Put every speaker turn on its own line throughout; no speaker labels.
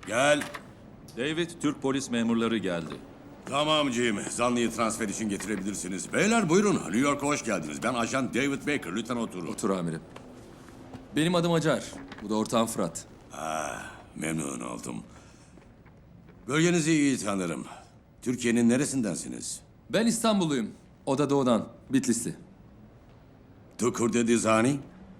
Gel.
David, Türk polis memurları geldi.
Tamam Jim. Zanlıyı transfer için getirebilirsiniz. Beyler buyurun. New York'a hoş geldiniz. Ben ajan David Baker. Lütfen oturun.
Otur amirim. Benim adım Acar. Bu da ortağım Fırat.
Memnun oldum. Bölgenizi iyi tanırım. Türkiye'nin neresindensiniz?
Ben İstanbulluyum. O da doğudan. Bitlisli.
Tukur dedi Zani.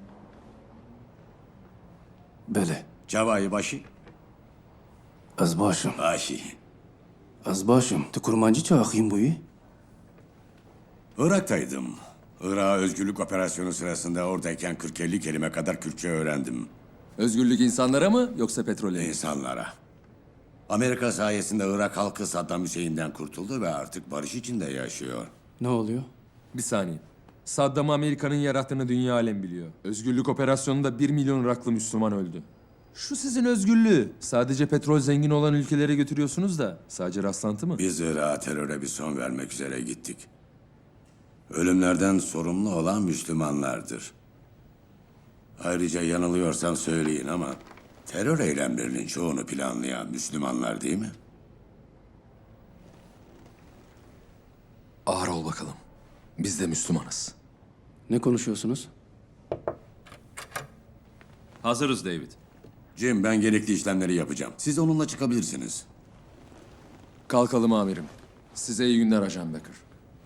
بله
Cavai başı.
از باشم
Başı.
از باشم تو کرمانچی چه آخیم بویی؟
Irak'taydım. Irak'a özgürlük operasyonu sırasında oradayken 40-50 kelime kadar Kürtçe öğrendim.
Özgürlük insanlara mı yoksa petrole mi?
İnsanlara. Amerika sayesinde Irak halkı Saddam Hüseyin'den kurtuldu ve artık barış içinde yaşıyor.
Ne oluyor?
Bir saniye. Saddam'ı Amerika'nın yarattığını dünya alem biliyor. Özgürlük operasyonunda 1 milyon Iraklı Müslüman öldü. Şu sizin özgürlüğü. Sadece petrol zengin olan ülkelere götürüyorsunuz da sadece rastlantı mı?
Biz Irak'a teröre bir son vermek üzere gittik. Ölümlerden sorumlu olan Müslümanlardır. Ayrıca yanılıyorsam söyleyin ama terör eylemlerinin çoğunu planlayan Müslümanlar değil mi?
Ağır ol bakalım. Biz de Müslümanız.
Ne konuşuyorsunuz?
Hazırız David.
Jim, ben gerekli işlemleri yapacağım. Siz onunla çıkabilirsiniz.
Kalkalım amirim. Size iyi günler Ajan Becker.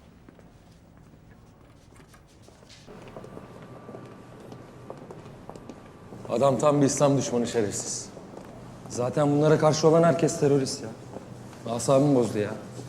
Adam tam bir İslam düşmanı şerefsiz. Zaten bunlara karşı olan herkes terörist ya. Asabımı bozdu ya.